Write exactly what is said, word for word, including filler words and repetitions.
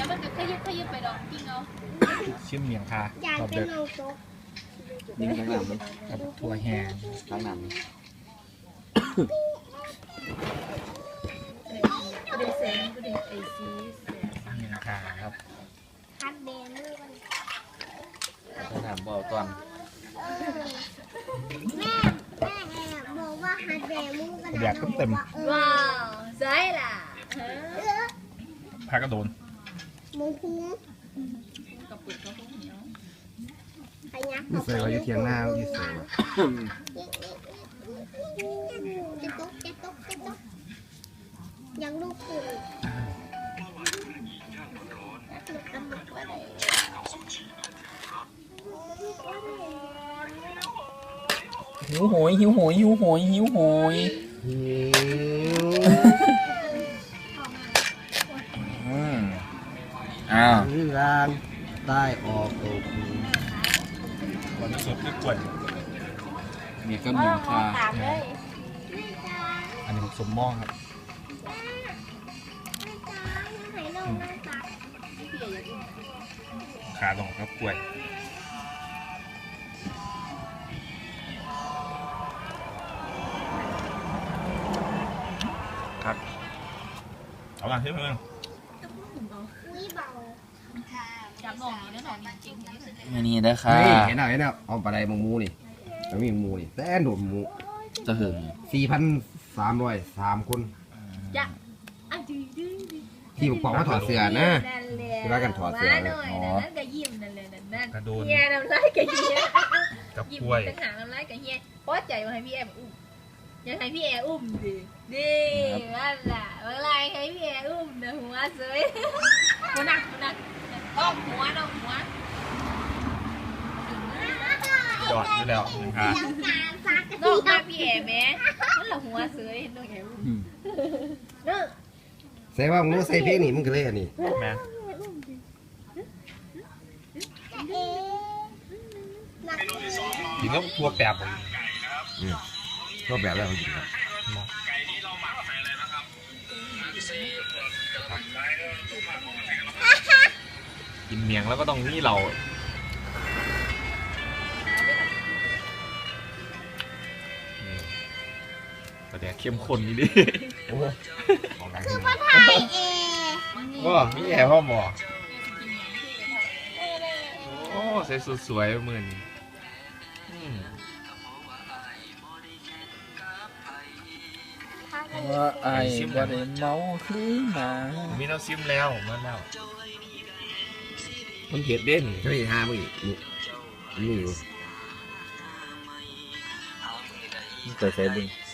มันก็ขยับขยับไปดอกจริงเอาชิมเมียงคาอยากเป็นโลโก้ยิงข้างหน้ามั้ยกับถั่วแห้งข้างหน้ามั้ยเดซเซนก็เดซไอซีเมียงคาครับฮัดเดนมือมันข้างหน้าบ่เอาตอนแม่แม่บอกว่าฮัดเดนมือกันอยากเต็มว้าวใช่ล่ะพากระโดนมุงพุงกับปุ๋ยเขาเหนียวไปยักษ์ยี่เสือว่าอยู่เทียงหน้ายี่เสือจะตุ๊กจะตุ๊กจะตุ๊กยังลูกคือหิวโหยหิวโหยหิวโหยหิวโหยอืมอ้าวนี่ร่างใต้ออกตกวันนี้สดที่กล้วยมีก็มีคาอันนี้สมมองครับขาตรงครับกล้วยครับเอาล่ะที่เพื่อนจับหน่องนี่นะหน่องจริงๆอันนี้ได้ค่ะเห็นไหมเห็นไหมเอาปลาไหลมังมูนี่แล้วมีมูนี่แต่โดดมูจะหึงสี่พันสามร้อยสามคนจ้ะที่บอกว่าถอดเสื้อนะที่ว่ากันถอดเสื้ออ๋อนั่นก็ยิ้มนั่นเลยนั่นนั่นกระโดนเฮียน้ำลายกับเฮียกับยิ้มกล้วยตั้งหางน้ำลายกับเฮียเพราะใจว่าให้พี่แอมอุ้มยังให้พี่แอมอุ้มดิดิว่าล่ะเมื่อไรให้พี่แอมอุ้มนะหัวสวยหัวหนักหัวหนักอ้อมหัวน้องหัวยอดอยู่แล้วนะครับนอกมาพี่แอมแม่นั่นแหละหัวสวยน้องแอมอุ้มเนอะใส่ว่ามึงรู้ใส่เพลงนี่มึงก็เลยอันนี้แม่กินก็ทั่วแปบเลยทั่วแบบแล้วจริงครับกินเมียงแล้วก็ต้องนี่เราแต่เดี๋ยวเข้มข้นนี่ดิคือพ่อไทยเองก็มีแอร์พ่อหมอโอ้ใส่สุดสวยมือนี่ว่าไอ้บ่ได้เมาคือหมามีน้ำซิมแล้วมาแล้วมันเผ็ดเด่นใช่ไหมฮะมึงนี่นี่อยู่แต่ใส่ดึง